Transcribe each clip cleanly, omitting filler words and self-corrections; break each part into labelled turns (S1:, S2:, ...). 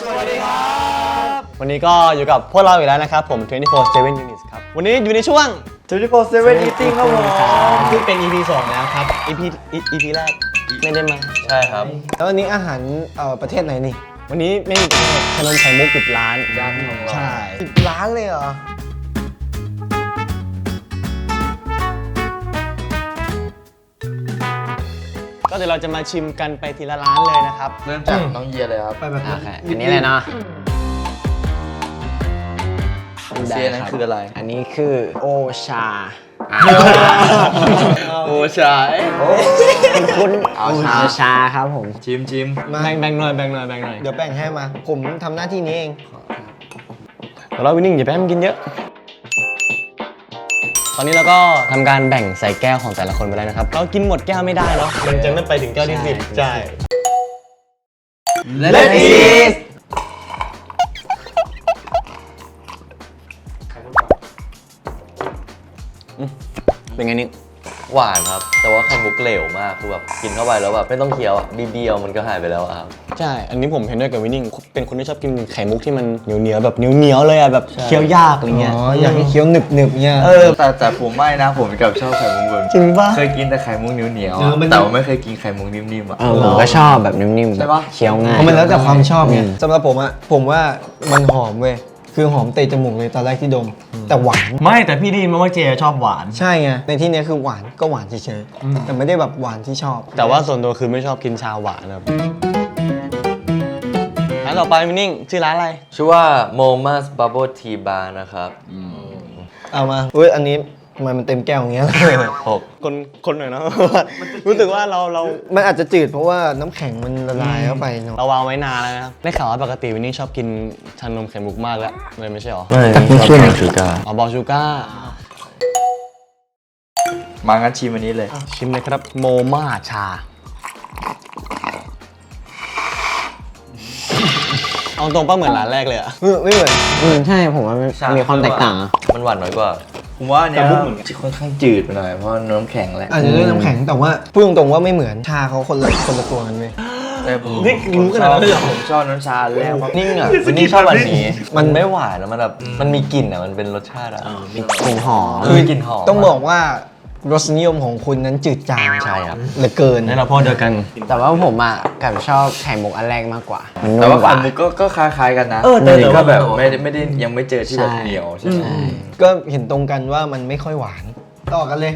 S1: วัสดีครับวันนี้ก็อยู่กับพวกเราอีกแล้วนะครับผม24/7 Units ครับวันนี้อยู่ในช่วง
S2: 24/7 Eating ครับผม
S1: ที่เป็น EP 2แล้วครับ EP แรกไม่ได้มา
S2: ใช่ครับ
S3: แล้ววันนี้อาหารประเทศไหนนี่
S1: วันนี้ไม่มีประเทศขนมไข่มุก10 ล้าน
S2: ย่านของเรา
S1: ใช่
S3: 10 ล้านเลยเหรอ
S1: ก็เดี๋ยวเราจะมาชิมกันไปทีละร้านเลยนะครับ
S2: เริ่มจากน้องเยียเลยครับ
S3: ไปแบบ
S1: โอเคอันนี้เลยเนาะ
S2: เซียนั้นคืออะไร
S1: อันนี้คือโอชา
S2: โอชา
S1: คุณ
S2: เอาชา
S1: โอชาครับผม
S2: ชิม
S3: มา
S1: แบ่งหน่อยแบ่งหน่อย
S3: เดี๋ยวแบ่งให้มา ผมทำหน้าที่นี้เอง
S1: แต่เราวินนิ่งอย่าไปให้มันกินเยอะ ตอนนี้เราก็ทำการแบ่งใส่แก้วของแต่ละคนไปแล้วนะครับ เรากินหมดแก้วไม่ได้เนาะมันจะไม่ไปถึงแก้วที่10ใช่
S2: เลดอีส
S1: เป็นไงนี่
S4: หวานครับ แต่ว่าไข่มุกเหลวมากคือแบบกินเข้าไปแล้วแบบไม่ต้องเคี้ยวอ่ะนิดเดียวมันก็หายไปแล้วอะครับ
S1: ใช่ อันนี้ผมเห็นด้วยกับวินนิ่งเป็นคนที่ชอบกินไข่มุกที่มันเหนียวแบบเหนียวเลยอะแบบเคี้ยวยากอะไรเงี้ย
S3: อ๋อ อยากให้เคี้ยวหนึบเนี่ย
S2: แต่ผมไม่นะ ผมกับชอบไข่มุกแบบ
S1: จริงปะ
S2: เคยกินแต่ไข่มุกเหนียว
S3: เออมัน
S2: แต่ว่าไม่เคยกินไข่มุกนิ่มๆอ่ะ
S5: ผมก็ชอบแบบนิ่มๆ
S2: ใช่ปะ
S5: เคี้ยวง่าย
S3: เพราะมันแล้วแต่ความชอบไงสำหรับผมอะผมว่ามันหอมเว้ย คือหอมเตะจมูกเลยตอนแรกที่ดม แต่หวาน
S1: ไม่แต่พี่ได้ยินมาว่าเจชอบหวาน
S3: ใช่ไง ในที่เนี้ยคือหวานก็หวานเฉยๆ แต่ไม่ได้แบบหวานที่ชอบ
S1: แต่ว่าส่วนตัวคือไม่ชอบกินชาหวานครับร้านต่อไปวินนิ่งชื่อร้านอะไร
S4: ชื่อว่า Moma's Bubble Tea Bar นะครับ
S3: เอามาเว้ย อันนี้ทำไมมันเต็มแก้วอย่างเงี้ย
S1: คนหน่อยเนาะ รู้สึกว่าเรา
S3: มันอาจจะจืดเพราะว่าน้ำแข็งมันละลายเข้าไปเนาะ
S1: เราวางไว้นานแล้วนะครับได้ข่าวว่าปกติวินนี่ชอบกินชานมไข่มุกมากแล้วเลยไม่ใช่หรอ
S4: ไม่ชอบกินชูการ์
S1: อ๋อบอลชูก้า
S2: มางั้นชิมอันนี้เลย
S1: ชิมเลยครับโมมาชา เอาตรงป้าเหมือนร้านแรกเลยอะ
S3: ไม่เหมือน
S5: ใช่ผมว่ามันมีความแตกต่างอะ
S4: มันหวานน้อยกว่า
S2: ผมว่าอันเนี้ยค่อนข้างจืดไปหน่อยเพราะน้ำแข็งแหละ
S3: อาจจะด้วยน้ำแข็งแต่ว่าพูดตรงๆว่าไม่เหมือนชาเขาคนละตัวกันเว้ย
S2: แต่ผม
S1: นี่รู้ขนาดนั้นเลยเหรอ
S2: ผมชอบน้ำชาแรก
S4: นิ่งอ่ะวันนี้ชอบอันนี้มันไม่หวานแล้วมันแบบมันมีกลิ่นอ่ะมันเป็นรสชาติอ่ะ
S5: มีกลิ่นหอม
S4: คือกลิ่นหอม
S3: ต้องบอกว่ารสนิยมของคุณนั้นจืดจาง
S4: ใช่ครับ
S3: เหลือเกิน
S1: นี่เราพ่อเดียวกัน
S5: แต่ว่าผมอ่ะกับชอบไข่มุกอันแรกมากกว่า มัน
S2: แต่
S5: นุ่ม
S2: ว่าก
S5: ว่า
S2: ไข่มุกก็คล้ายๆกันนะ
S1: แต่
S2: ก็แบบ
S1: ว่า
S2: ไม่ได้ยังไม่เจอที่แบบเหนียวใช่ไหม
S3: ก็เห็นตรงกันว่ามันไม่ค่อยหวาน ต่อกันเลย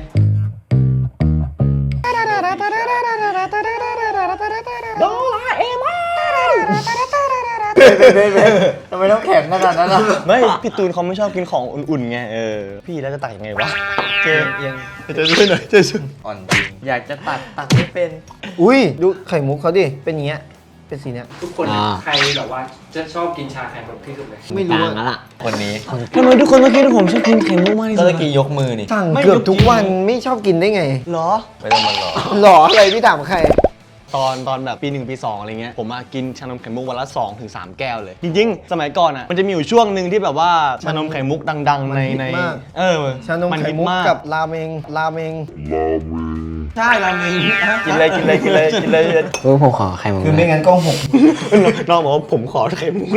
S2: ทำไมต้องแข็งขนาดนั้นล่ะ
S1: ไม่พี่ตูนเขาไม่ชอบกินของอุ่นๆไงพี่แล้วจะตักยังไงวะเจยังจะช่วยหน่อยจะช่วย
S2: อ่อนจริง อยากจะตักไม่เป็น
S3: อุ้ยดูไข่มุกเขาดิ เป็นอย่างเงี้ย เป็นสีเนี้ย
S6: ทุกคน
S5: อ่า
S6: ใครแบบว่าจะชอบกินชาไข่มุกที่สุดเลย
S3: ไม่
S5: ต่า
S3: รู้
S5: ง
S3: อะ
S5: แล้วล่ะ
S4: คนนี้
S1: ทำไมทุกคนต้องคิดว่าผมชอบกินไข่มุกมากที่
S4: ก็
S1: สุด
S4: ตะกี้ยกมือนี่
S3: สั่งเกือบทุกวันไม่ชอบกินได้ไง
S1: เหรอ
S4: ไม่ต้องมาหลอก
S3: หรออะไรพี่ถามใคร
S1: ตอนแบบปี 1 ปี 2อะไรเงี้ยผมมากินชานมไข่มุกวันละ2 ถึง 3 แก้วเลย จริงๆ สมัยก่อนอ่ะมันจะมีอยู่ช่วงหนึ่งที่แบบว่าชานมไข่มุกดังๆใน
S3: มันฮิตมาก ชานมไข่มุกกับราเมงใช่ราเมง
S1: กินเลย
S5: ผมขอไข่มุก
S3: คือไม่งั้นก็หก
S1: น้องบอกว่าผมขอไข่มุก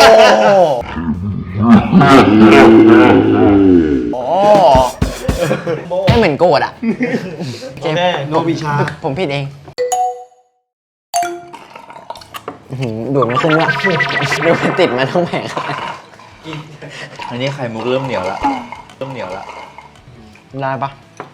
S1: โอ้
S5: ไม่เหมือนโกรธอ่ะ
S1: โอเค
S3: โนบิชา
S5: ผมผิดเองดูดไม่ขึ้นว่ะดูมันติดมาทั้งแผง
S2: อันนี้ไข่มุกเริ่มเหนียวละ
S5: ได้ปะ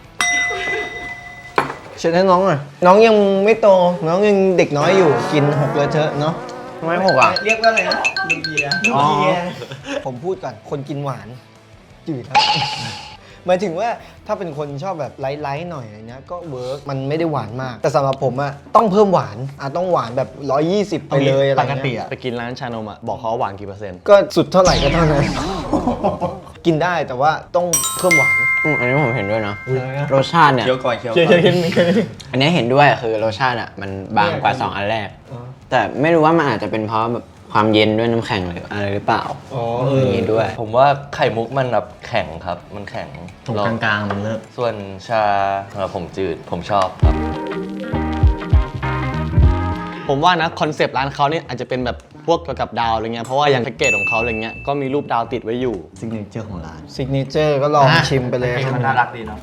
S3: เชิญให้น้องหน่อยน้องยังไม่โต น้องยังเด็กน้อยอยู่ กินหกเลยเถอะเนาะ
S5: ไม่หกอ่ะ
S6: เรียกว่าอะไรนะลูกเบียร์
S3: อ๋อผมพูดก่อน คนกินหวานจืดครับ หมายถึงว่าถ้าเป็นคนชอบแบบไลท์ๆหน่อยอะไรเงี้ยก็เวิร์กมันไม่ได้หวานมาก แต่สำหรับผมอะต้องเพิ่มหวานต้องหวานแบบ 120 ไปเลยอะไร
S1: ปกติ
S3: เงี้ย
S1: อะไปกินร้านชานมอะบอกเขาว่าหวานกี่เปอร์เซ็นต์
S3: ก็สุดเท่าไหร่ก็เท่านั้น กินได้แต่ว่าต้องเพิ่มหวาน
S5: อันนี้ผมเห็นด้วยเนาะรสชาติเนี่ย
S2: เคี้ยวก่อน
S5: อันนี้เห็นด้วยคือรสชาติอ่ะมันบางกว่า 2 อันแรก แต่ไม่รู้ว่ามันอาจจะเป็นเพราะแบบความเย็นด้วยน้ำแข็งหรืออะไรหรือเปล่าอย่างนี้ด้วย
S4: ผมว่าไข่มุกมันแบบแข็งครับ มันแข็ง
S1: ตรงกลางๆมันเลิก
S4: ส่วนชาสำหรับผมจืดผมชอบครับ
S1: ผมว่านะคอนเซปต์ร้านเขาเนี่ยอาจจะเป็นแบบพวกเกี่ยวกับดาวอะไรเงี้ยเพราะว่าอย่างแพ็กเกจของเขาอะไรเงี้ยก็มีรูปดาวติดไว้อยู่ซิกเนเจอร์ของร้าน
S3: ซิกเนเจอร์ก็ลองชิมไปเลย
S2: มันน่ารักดีเนาะ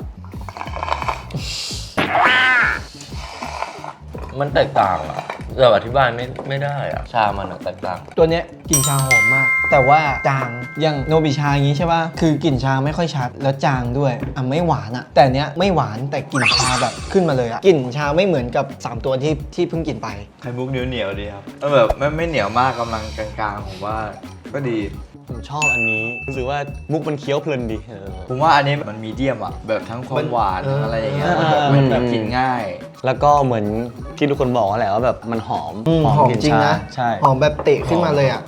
S4: มันแตกต่างอะเราอธิบายไม่ได้อะชามันอะแตกต่าง
S3: ตัวเนี้ยกลิ่นชาหอมมาก แต่ว่าจางอย่างโนบิชาอย่างนี้ใช่ป่ะคือกลิ่นชาไม่ค่อยชัดแล้วจางด้วยไม่หวานอะแต่เนี้ยไม่หวานแต่กลิ่นชาแบบขึ้นมาเลยอะกลิ่นชาไม่เหมือนกับ3ตัวที่เพิ่งกินไป
S2: ไข่มุกเหนียวๆดีครับแบบไม่เหนียวมากกำลังกลางๆผมว่าก็ดี
S1: ผมชอบอันนี้รู้สึกว่ามุกมันเคี้ยวเพลินดี
S2: ผมว่าอันนี้มันมีเดียมอ่ะแบบทั้งความหวานทั้งอะไรอย่างเงี้ยมันแบบกินง่าย
S1: แล้วก็เหมือนที่ทุกคนบอกแหละว่าแบบมันหอม
S3: หอม
S1: กลิ่น
S3: จริง
S1: ชา
S3: นะ
S1: ใช่
S3: หอมแบบเตะขึ้นมาเลยอ่ะ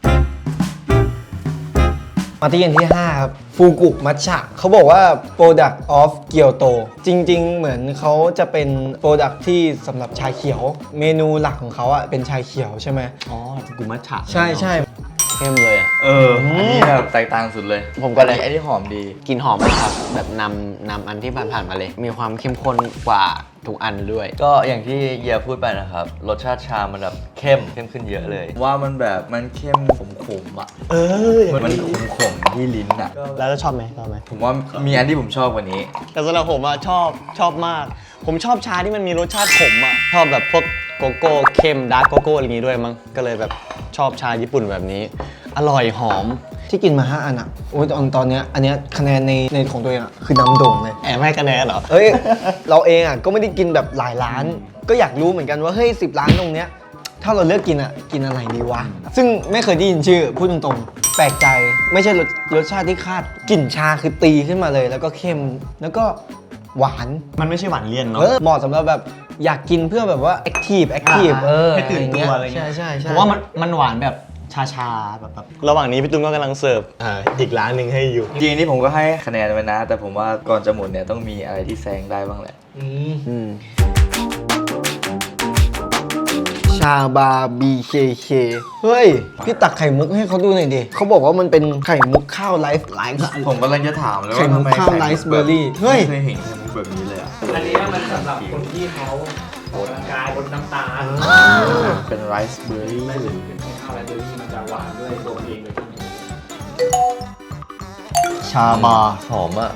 S3: มาที่อันที่ 5 ครับฟูกุมัทฉะเขาบอกว่า Product of Kyoto จริง ๆ เหมือนเขาจะเป็น Product ที่สำหรับชาเขียว เมนูหลักของเขาอ่ะเป็นชาเขียวใช่ไหม
S1: อ๋อกุมัชฉะ
S3: ใช่ใช่
S1: เข้มเลยอ่ะ
S2: อันนี้แบบแตกต่างสุดเลย
S5: ผมก็เลย
S2: อันนี้หอมดี
S5: กลินหอมมากครับแบบนำอันที่ผ่านๆมาเลย มีความเข้มข้นกว่าทุกอันด้วย
S4: ก็อย่างที่เยียพูดไปนะครับ รสชาติชามันแบบเข้มขึ้นเยอะเลย
S2: ว่ามันแบบมันเข้มขมๆอ่ะมันขมๆที่ลิ้นอ่ะ
S1: แล้วชอบไหมชอบไหม
S2: ผมว่ามีอันที่ผมชอบกว่านี้
S1: แต่สำหรับผมอะชอบมาก ผมชอบชาที่มันมีรสชาติขมอะชอบแบบพวกโกโก้เข้มดาร์กโกโก้อะไรอย่างงี้ด้วยมั้งก็เลยแบบชอบชาญี่ปุ่นแบบนี้ อร่อยหอม
S3: ที่กินมา 5 อันอ่ะโอ้ยตอนเนี้ยอันเนี้ยคะแนนในของตัวเองอ่ะคือนำโด่งเลย
S1: แอบให้คะแนนเหรอ
S3: เอ้ย เราเองอ่ะก็ไม่ได้กินแบบหลายร้าน ก็อยากรู้เหมือนกันว่าเฮ้ย10 ร้านตรงเนี้ยถ้าเราเลือกกินอ่ะกินอะไรดีวะ ซึ่งไม่เคยได้ยินชื่อพูดตรงๆ แปลกใจไม่ใช่รสชาติที่คาดกลิ่นชาคือตีขึ้นมาเลย แล้วก็เข้มแล้วก็หวาน
S1: มันไม่ใช่หวานเลี่ยนเนาะ
S3: เหมาะสำหรับแบบอยากกินเพื่อแบบว่าแอคทีฟ
S1: ให้ตื่นตัวอะไรเงี้ย
S3: ใช่
S1: ผมว่ามันหวานแบบชาแบบระหว่างนี้พี่ตุ้มก็กำลังเสิร์ฟอีกร้านหนึ่งให้อยู่
S2: จริงๆนี่ผมก็ให้คะแนนไว้นะ แต่ผมว่าก่อนจะหมดเนี่ยต้องมีอะไรที่แซงได้บ้างแหละ
S3: ชาบา BKK เฮ้ย พี่ตักไข่มุกให้เขาดูหน่อยดิเขาบอกว่ามันเป็นไข่มุกข้าวไลฟ์
S2: ผมกำลังจะถามเลย
S3: ไข่
S2: ว่า
S3: มุ
S2: ทำ
S3: ก
S2: ไม
S3: ข้าวไรซ์เบอร์รี่ เฮ้ย
S2: ไม่เคยเห็นไข่มุกแบบนี้เลยอ่ะ
S6: อันนี้มันสำหรับคนที่เขาออกกำลังกายบนน้ำตาล
S2: เป็นไรซ์เบอร์รี่
S6: ไม่หรือเป็นข้าวไรเบอร์รี่มันจะหวานด้วยตัวมันเองเลยที่มี
S1: ชาบา
S4: หอมอะ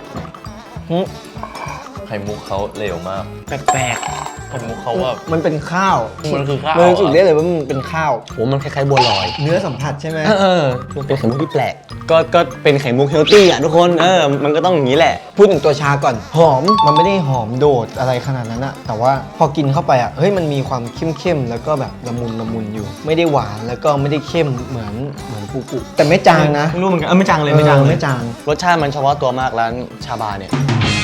S4: ไข่มุกเขาเหลวมาก
S1: แปลกๆไข่มุกเขาแบบ
S3: มันเป็นข้าว
S4: มันคือข้าว
S3: มันรู้สึกได้เลยว่ามันเป็นข้าว
S1: โหมันคล้ายๆบัวลอย
S3: เนื้อสัมผัสใช่ไหม
S1: มันเป็นไข่มุกที่แปลกก็เป็นไข่มุกเฮลตี้อ่ะทุกคนมันก็ต้องอย่างนี้แหละ
S3: พูดถึงตัวชาก่อน หอม มันไม่ได้หอมโดดอะไรขนาดนั้นอะแต่ว่าพอกินเข้าไปอะเฮ้ย มันมีความเข้มๆ แล้วก็แบบละมุนอยู่ ไม่ได้หวาน แล้วก็ไม่ได้เข้มเหมือนฟูกุ แต่ไม่จางนะ
S1: ไม่รู้เหมือนกันไม่จางเลยไม่จางเลย
S3: ไม่จาง
S1: รสชาติมันเฉพาะตัวมากร้านชาบาเนี่ย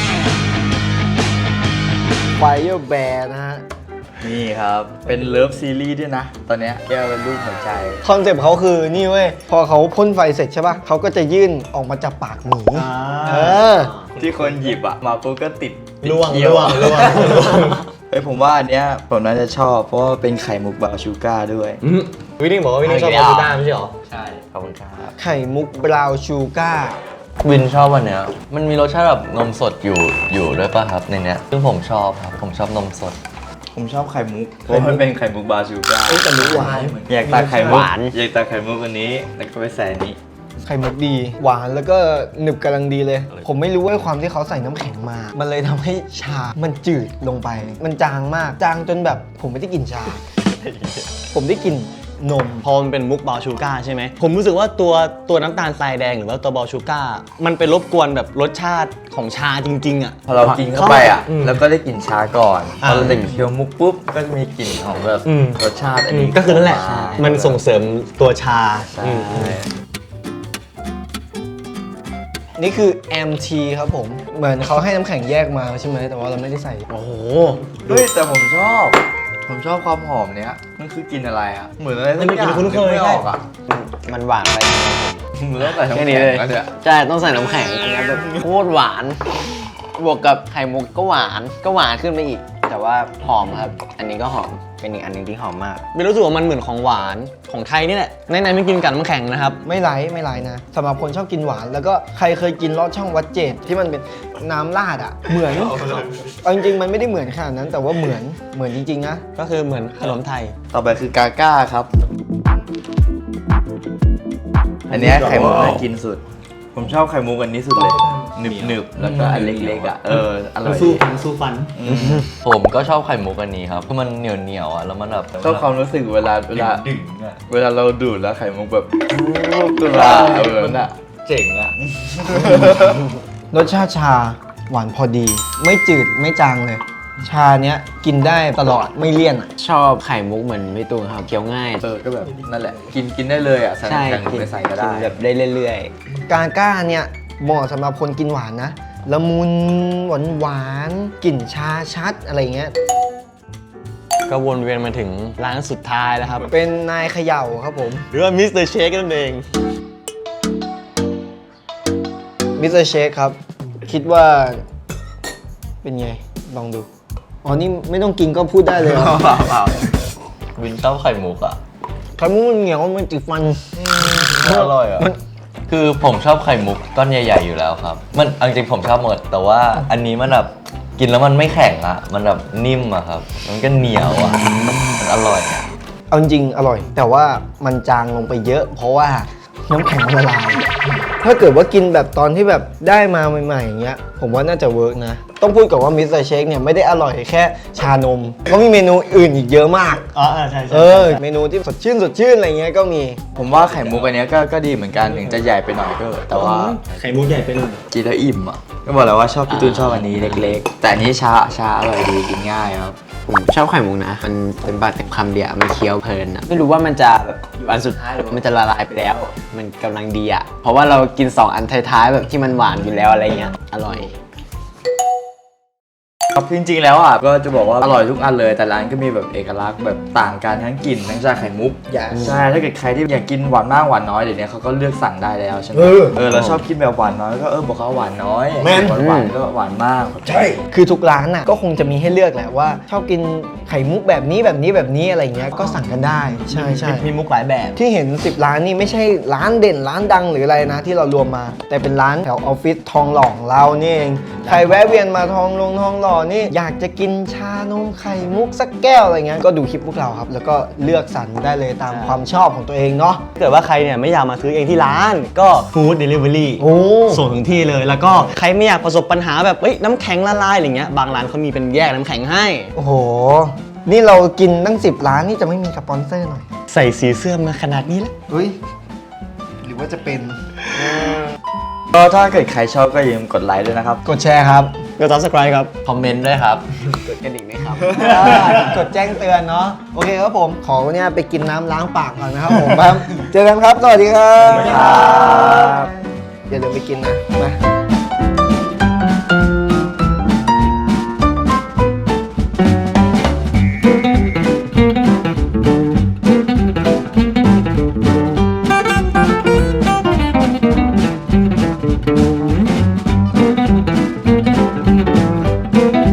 S3: Fire Bear นะฮะ
S2: นี่ครับ เป็นเลิฟซีรีส์ด้วยนะ ตอนเนี้ยแก้วเป็นรูปหัวใจ
S3: คอนเซ็ปต์เขาคือนี่เว้ย พอเขาพ่นไฟเสร็จใช่ป่ะเขาก็จะยื่นออกมาจากปากหมีเออ
S2: ที่คนหยิบอ่ะ มาปุ๊บก็ติด
S1: ล่วง
S2: เคี้ยว
S1: ล่วง
S2: เฮ้ยผมว่าอันเนี้ยผมน่าจะชอบ เพราะว่าเป็นไข่มุกบราวน์ชูการ์ด้วย
S1: วินนี่บอกว่าวินนี่ชอบบาซูด้าไม่ใช่หรอ
S4: ใช่ ขอบคุณครับ
S3: ไข่มุกบราวน์ชูการ์
S4: วินชอบวันเนี้ยมันมีรสชาติแบบนมสดอยู่ด้วยป่ะครับในเนี้ยซึ่งผมชอบครับ ผมชอบนมสด
S2: ผมชอบไข่มุกเพราะมันเป็นไข่มุกบราวน์ชูการ์
S3: แต่มุกหวาน
S2: อยากตักไข่มุก
S5: หวาน
S2: อยากตักไข่มุกอันนี้ แล้วก็ไปใส่อันนี้
S3: ไข่มุกดี หวานแล้วก็หนึบกำลังดีเลย ผมไม่รู้ว่าความที่เขาใส่น้ำแข็งมา มันเลยทำให้ชา มันจืดลงไป มันจางมาก จางจนแบบผมไม่ได้กินชา ผมได้กินนม
S1: พอมันเป็นมุกบราวน์ชูการ์ใช่ไหมผมรู้สึกว่าตัวน้ำตาลทรายแดงหรือว่าตัวบราวน์ชูการ์มันไปรบกวนแบบรสชาติของชาจริงๆอ่ะ
S2: พอเรากินเข้าไปอ่ะ แล้วก็ได้กลิ่นชาก่อนพ
S1: อ่า
S2: อเราได้เคี้ยวมุกปุ๊บ ก็จะมีกลิ่นของแบบรสชาติอันนี้
S1: ก็คือนั่นแหละ
S2: ใช่
S1: มันส่งเสริมตัวชา
S2: ใช่
S3: นี่คือ MT ครับผม เหมือนเขาให้น้ำแข็งแยกมาใช่ไหม แต่ว่าเราไม่ได้ใส่
S1: โอ้โห
S2: เฮ้ยแต่ผมชอบความหอมเนี้ย มันคือกลิ่นอะไรอ่ะ เหมือนอะไรสักอย่าง
S1: มันเป็นกลิ่นคุ้นเคย
S2: ไม่ออกอ่ะ
S5: มันหวานไป
S2: เหมือนต้องใส่น้ำ
S5: แค่
S2: แข็
S5: นี้
S2: ง
S5: เลย
S2: แล้วเนี่ย
S5: ใช่ ต้องใส่น้ำแข็งอันนี้แบบโคตรหวาน บวกกับไข่มุกก็หวานขึ้นไปอีก แต่ว่าหอมครับ อันนี้ก็หอม เป็นอีกอันหนึงที่หอมมาก
S1: ไม่รู้สึกว่ามันเหมือนของหวานของไทยนี่แหละในไม่กินกับน้ำแข็งนะครับ
S3: ไม่ไร้นะสำหรับคนชอบกินหวาน แล้วก็ใครเคยกินลอดช่องวัดเจดที่มันเป็นน้ำราดอ่ะ เหมือนเอาจริงๆมันไม่ได้เหมือนขนาดนั้น แต่ว่าเหมือนจริงๆนะ
S1: ก็คือเหมือนขนมไทย
S2: ต่อไปคือกาก้าครับอันเนี้ยไข่มุกน่ากินสุด ผมชอบไข่มุกอันนี้สุดเลยหนึบๆแล้วก็อันเล็กๆอ่ะอร่อย
S6: สู้ฟันสู้ฟัน
S4: ผมก็ชอบไข่มุกอันนี้ครับเพราะมันเหนียวๆอ่ะแล้วมันแบบ
S2: ชอบความรู้สึกเวลาเราดูดแล้วไข่มุกแบบตัวมันอ่ะเจ๋งอ่ะ
S3: รสชาติชาหวานพอดี ไม่จืดไม่จางเลย ชาเนี้ยกินได้ตลอดไม่เลี่ยนอ่ะ
S5: ชอบไข่มุกเหมือนพี่ตูนครับเคี้ยวง่าย
S2: ก็แบบนั่นแหละกินได้เลยอ่ะใส่
S5: ใช่
S2: น้ำแข็งหรือไม่ใส่ก็ได้
S5: กินแบบได้เรื่อย
S3: กาก้าเนี่ยเหมาะสำหรับคนกินหวานนะ ละมุนหวานกลิ่นชาชัดอะไรเงี้ย
S1: ก็วนเวียนมาถึงร้านสุดท้ายแล้วครับ
S3: เป็นนายเขย่าครับผม
S1: หรือว่ามิสเตอร์เชคนั่นเอง
S3: มิสเตอร์เชคครับ คิดว่าเป็นไง ลองดู อ๋อ นี่ไม่ต้องกินก็พูดได้เลยเหรอ
S4: วินชอบไข่มุกอ่ะ
S3: ไข่มุกมันเหนียวมันติดฟัน
S4: อร่อยอ่ะคือผมชอบไข่มุกก้อนใหญ่ๆอยู่แล้วครับมันเอาจริงๆผมชอบหมดแต่ว่าอันนี้มันแบบกินแล้วมันไม่แข็งอ่ะมันแบบนิ่มอ่ะครับมันก็เหนียวอ่ะมันอร่อยอ่ะ
S3: เอาจริงๆอร่อย แต่ว่ามันจางลงไปเยอะ เพราะว่าน้ำแข็งมันละลาย ถ้าเกิดว่ากินแบบตอนที่แบบได้มาใหม่ๆอย่างเงี้ย ผมว่าน่าจะเวิร์กนะ ต้องพูดก่อนว่ามิสเตอร์เชคเนี่ยไม่ได้อร่อยแค่ชานมเขามีเมนูอื่นอีกเยอะมาก
S1: อ๋อใช่
S3: เมนูที่สดชื่นอะไรเงี้ยก็มี
S2: ผมว่าไข่มุกอันเนี้ยก็ดีเหมือนกันถึงจะใหญ่ไปหน่อยก็แต่ว่า
S6: ไข่มุกใหญ่ไปหน่อย
S2: กินแล้วอิ่มอ่ะก็บอกแล้วว่าชอบพี่ตูนชอบอันนี้เล็กๆ แต่อันนี้ชาอร่อยดีกินง่ายครับ
S5: ๆ ผมชอบไข่มุกนะ มันเป็นปากเต็มคำเดียวมันเคี้ยวเพลินอะไม่รู้ว่ามันจะแบบอยู่อันสุดท้ายหรือว่ามันจะละลายไปแล้ว มันกำลังดีอะเพราะว่าเรากิน 2 อันท้ายๆแบบที่มันหวานอยู่แล้วอะไรเงี้ย อร่อย
S2: ครับจริงๆแล้วอ่ะก็จะบอกว่าอร่อยทุกอันเลยแต่ร้านก็มีแบบเอกลักษณ์แบบต่างกันทั้งกลิ่นทั้งชาไข่มุกใช่ถ้าเกิดใครที่อยากกินหวานมากหวานน้อยเดี๋ยวนี้เขาก็เลือกสั่งได้แล้วใช่ไหมเราชอบกินแบบหวานน้อยก็บอกเขาหวานน้อย
S3: แม่น
S2: หวานก็หวานมาก
S3: คือทุกร้านน่ะก็คงจะมีให้เลือกแหละว่า ชอบกินไข่มุกแบบนี้อะไรเงี้ยก็สั่งกันได้ใช่ใช่
S1: มีมุกหลายแบบ
S3: ที่เห็น 10 ร้านนี่ไม่ใช่ร้านเด่นร้านดังหรืออะไรนะที่เรารวมมา แต่เป็นร้านแถวออฟฟิศทองหล่อของเรานี่เองใครแวะเวียนมาทองหล่อนี่อยากจะกินชานมไข่มุกสักแก้วอะไรเงี้ยก็ดูคลิปพวกเราครับ แล้วก็เลือกสรรได้เลยตามความชอบของตัวเองเนาะ
S1: ถ้าเกิดว่าใครเนี่ยไม่อยากมาซื้อเองที่ร้านก็ฟู้ดเดลิเวอรี่
S3: โอ้
S1: ส่งถึงที่เลย แล้วก็ใครไม่อยากประสบปัญหาแบบน้ำแข็งละลายอะไรเงี้ยบางร้านเขามีเป็นแยกน้ำแข็งให้
S3: โอ้โห นี่เรากินตั้ง 10 ร้านนี่จะไม่มีสปอนเซอร์หน่อย
S1: ใส่สีเสื้อมาขนาดนี้แล้ว
S3: เฮ้ยหรือว่าจะเป็น
S2: ก็ถ้าเกิดใครชอบก็อย่าลืมกดไลค์ด้วยนะครับ
S3: กดแชร์ครับ
S1: ก็ subscribe ครับ
S4: คอมเมนต์ด้วยครับ
S5: กดกระดิ่งไหมครับ
S3: กดแจ้งเตือนเนาะโอเคครับผมขอเนี่ยไปกินน้ำล้างปากก่อนนะครับผมครับ เจอกันครับ สวัสดีครับ
S2: ครับ
S3: อย่าลืมไปกินนะมา